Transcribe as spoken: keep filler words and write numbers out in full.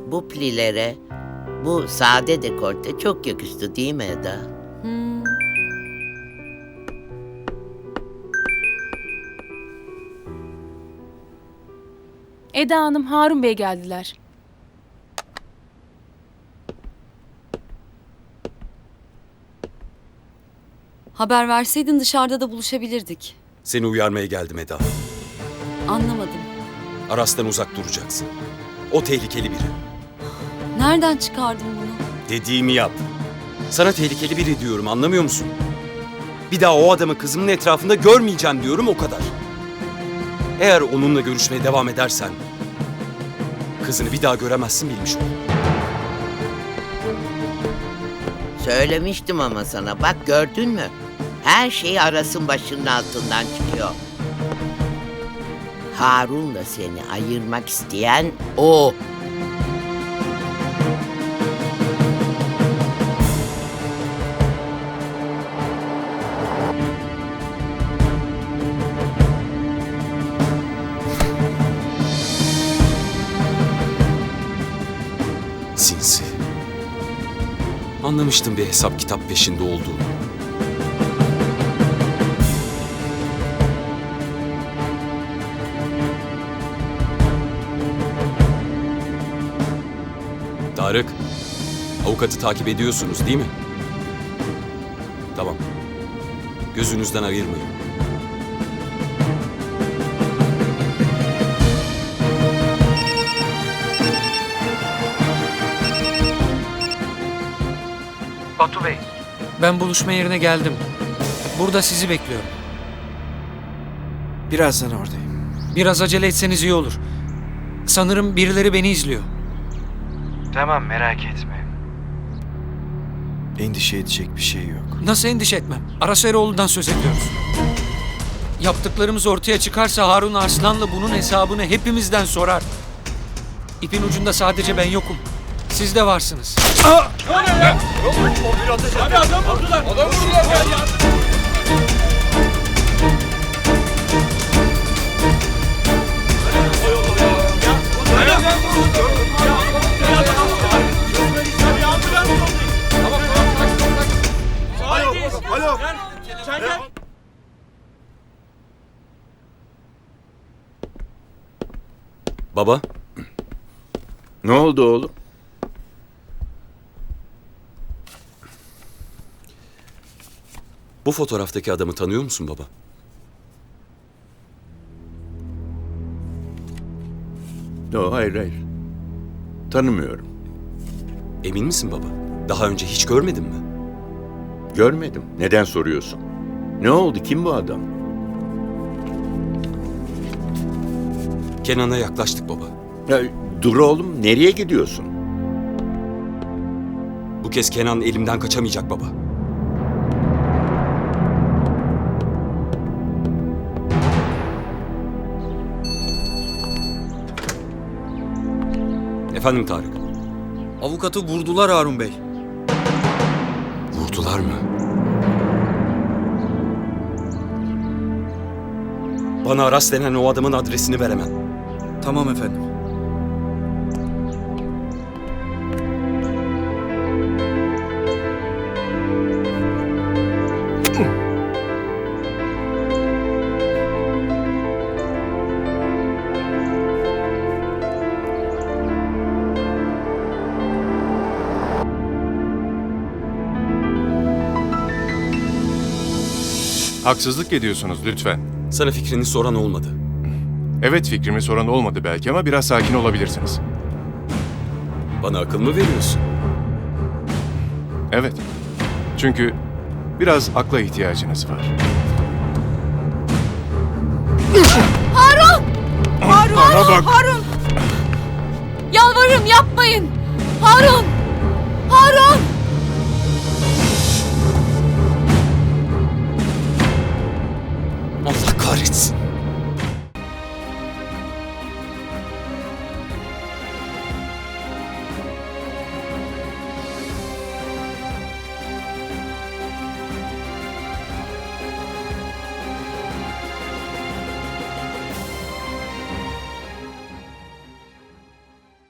bu plilere, bu sade dekolte çok yakıştı değil mi Eda? Hmm. Eda Hanım, Harun Bey geldiler. Haber verseydin dışarıda da buluşabilirdik. Seni uyarmaya geldim Eda. Anlamadım. Aras'tan uzak duracaksın. O tehlikeli biri. Nereden çıkardın bunu? Dediğimi yap. Sana tehlikeli biri diyorum, anlamıyor musun? Bir daha o adamı kızımın etrafında görmeyeceğim diyorum, o kadar. Eğer onunla görüşmeye devam edersen kızını bir daha göremezsin, bilmiş ol. Söylemiştim ama sana, bak gördün mü? Her şey Aras'ın başının altından çıkıyor. Harun'la seni ayırmak isteyen o. Sinsi. Anlamıştım bir hesap kitap peşinde olduğunu. Tarık, avukatı takip ediyorsunuz değil mi? Tamam. Gözünüzden ayırmayın. Batu Bey, ben buluşma yerine geldim. Burada sizi bekliyorum. Birazdan oradayım. Biraz acele etseniz iyi olur. Sanırım birileri beni izliyor. Tamam, merak etme. Endişe edecek bir şey yok. Nasıl endişe etmem? Aras Eroğlu'ndan söz ediyoruz. Yaptıklarımız ortaya çıkarsa Harun Arslan'la bunun hesabını hepimizden sorar. İpin ucunda sadece ben yokum. Siz de varsınız. Baba, Ne oldu oğlum? bu fotoğraftaki adamı tanıyor musun baba? Yo, hayır hayır. Tanımıyorum. Emin misin baba? Daha önce hiç görmedin mi? Görmedim. Neden soruyorsun? Ne oldu? Kim bu adam? Kenan'a yaklaştık baba. Ya, dur oğlum. Nereye gidiyorsun? Bu kez Kenan elimden kaçamayacak baba. Efendim Tarık? Avukatı vurdular Harun Bey. Vurdular mı? Bana Aras denen o adamın adresini ver hemen. Tamam efendim. Haksızlık ediyorsunuz lütfen. Sana fikrini soran olmadı. Evet, fikrimi soran olmadı belki ama biraz sakin olabilirsiniz. Bana akıl mı veriyorsun? Evet. Çünkü biraz akla ihtiyacınız var. Harun! Harun! Bana bak! Harun! Yalvarırım yapmayın! Harun! Harun! Allah kahretsin.